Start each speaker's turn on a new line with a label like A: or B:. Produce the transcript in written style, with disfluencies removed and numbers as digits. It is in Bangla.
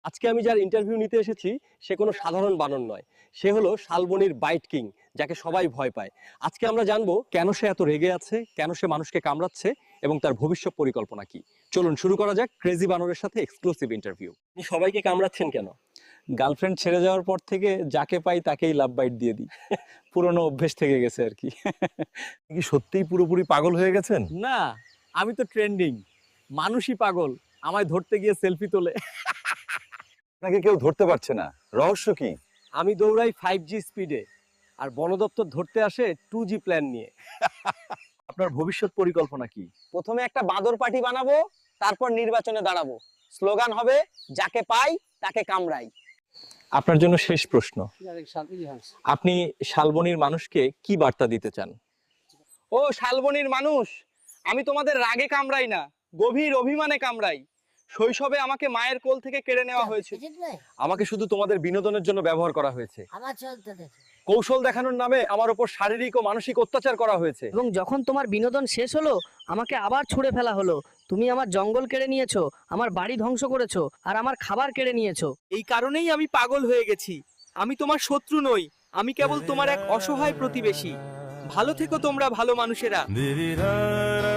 A: আজকে আমি যার ইন্টারভিউ নিতে এসেছি সে কোনো সাধারণ বানর নয়, সে হলো শালবনির বাইট কিং, যাকে সবাই ভয় পায়। আজকে আমরা জানবো কেন সে এত রেগে আছে, কেন সে মানুষকে কামড়াচ্ছে এবং তার ভবিষ্যৎ পরিকল্পনা কি। চলুন শুরু করা যাক ক্রেজি বানরের সাথে এক্সক্লুসিভ ইন্টারভিউ। আপনি সবাইকে কামড়াচ্ছেন কেন?
B: গার্লফ্রেন্ড ছেড়ে যাওয়ার পর থেকে যাকে পাই তাকেই লাভ বাইট দিয়ে দিই। পুরনো অভ্যেস থেকে গেছে আর কি।
C: আপনি কি সত্যিই পুরোপুরি পাগল হয়ে গেছেন?
A: না, আমি তো ট্রেন্ডিং, মানুষই পাগল আমায় ধরতে গিয়ে সেলফি তোলে।
C: আপনাকে কেউ ধরতে পারছে না, রহস্য কি?
A: আমি দৌড়াই 5G স্পিডে, আর বন দপ্তর ধরতে আসে 2G প্ল্যান নিয়ে।
C: আপনার ভবিষ্যৎ পরিকল্পনা কি?
D: প্রথমে একটা বাঁদর পার্টি বানাবো, তারপর নির্বাচনে দাঁড়াবো। স্লোগান হবে যাকে পাই তাকে কামড়াই।
B: আপনার জন্য শেষ প্রশ্ন, আপনি শালবনির মানুষকে কি বার্তা দিতে চান?
D: ও শালবনির মানুষ, আমি তোমাদের রাগে কামড়াই না, গভীর অভিমানে কামড়াই। শৈশবে আমাকে মায়ের কোল থেকে কেড়ে নেওয়া হয়েছে।
A: আমাকে শুধু তোমাদের বিনোদনের জন্য ব্যবহার করা হয়েছে। কৌশল দেখানোর নামে আমার উপর শারীরিক ও মানসিক অত্যাচার করা হয়েছে।
E: এবং যখন তোমার বিনোদন শেষ হলো আমাকে আবার ছুঁড়ে ফেলা হলো। তুমি আমার জঙ্গল কেড়ে নিয়েছো, আমার বাড়ি ধ্বংস করেছো, আর আমার খাবার কেড়ে নিয়েছো।
D: এই কারণেই আমি পাগল হয়ে গেছি। আমি তোমার শত্রু নই, আমি কেবল তোমার এক অসহায় প্রতিবেশী। ভালো থেকো তোমরা ভালো মানুষেরা।